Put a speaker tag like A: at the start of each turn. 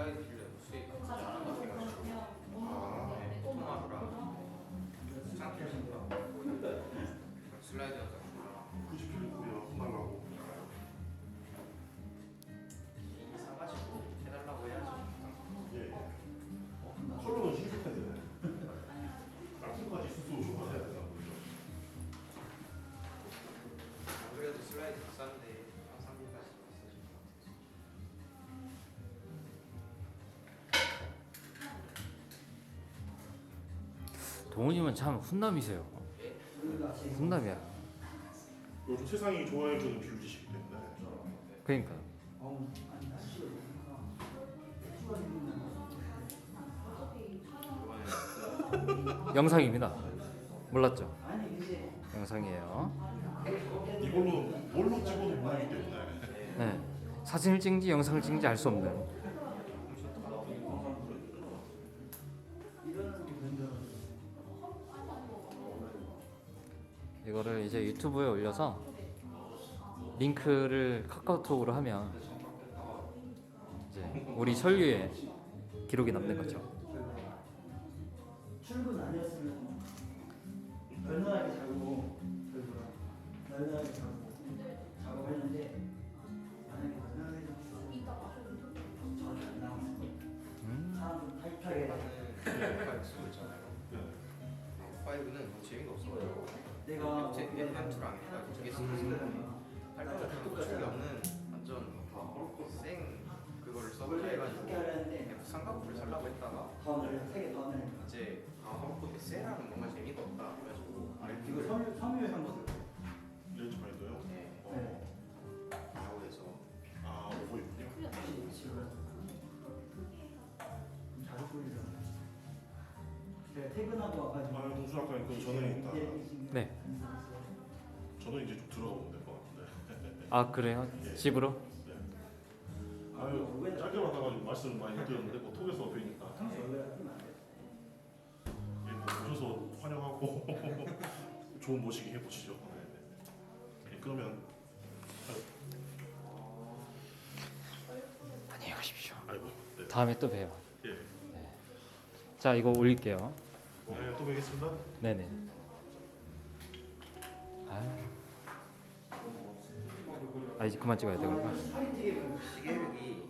A: 슬라이드 필름 수익 잘하는 것 같아가지고 토마루랑 창틀 신다 슬라이드 영상
B: 굳이 필름 우리가 혼나려고.
A: 사가지고 해달라고 해야지.
B: 예. 컬러는 신속해야 되네. 땅콩까지 수수 쇼파해야 되나 보죠.
A: 안 그래도 슬라이드 비싼데 한 3분까지 있으실 것 같아서.
C: 동훈님은 참 훈남이세요. 훈남이야.
B: 요즘 세상이 좋아해주는 비율이시기 때문에.
C: 그러니까요. 영상입니다. 몰랐죠? 영상이에요.
B: 이걸로 뭘로 찍어도 모르기 때문에.
C: 네. 사진을 찍는지 영상을 찍는지 알 수 없는. 이거를 이제 유튜브에 올려서 링크를 카카오톡으로 하면 이제 우리 설유에 기록이 남는 거죠.
D: 출근 아니었으면 널널하게 자고 널널하게 자고 작업했는데 만약에 널널하게 저렇게 안 나왔을 거예요. 사람 타이트하게
A: 파이브 쓰고 있잖아요. 파이브는 너무 재미가 없어가지고
D: 내가
A: 제 엠2랑 해가지고 두개 쓰고 할 때는 구축이 없는 완전 생 그거를 써보자 해가지고 삼각부를 살라고 했다가
D: 다음날 3개 다음날
A: 이제 삼각부 셀하면 뭔가 재미가 없다 그래가지고
D: 이거 섬유에 한 거.
B: 렌즈 파인더요?
D: 네.
A: 나오에서
B: 아, 오고 있군요.
D: 자주 보이잖아. 제가 퇴근하고 와가지고.
B: 아, 동수 아까 그 전에 있다.
C: 네.
B: 저는 이제 좀 들어가면 될 것 같은데.
C: 아 그래요? 집으로?
B: 네. 아유, 짧게 만나가지고 말씀을 많이 못 드렸는데 뭐 톡에서 뵈니까 예, 뭐 오셔서 환영하고 좋은 모시기 해보시죠. 네. 예, 그러면
C: 안녕히 가십시오.
B: 아이고, 네.
C: 다음에 또 봬요.
B: 예,
C: 자 이거 올릴게요.
B: 네, 또 뵙겠습니다.
C: 네네. 아 이제 그만 찍어야 되구나.
A: 시계력이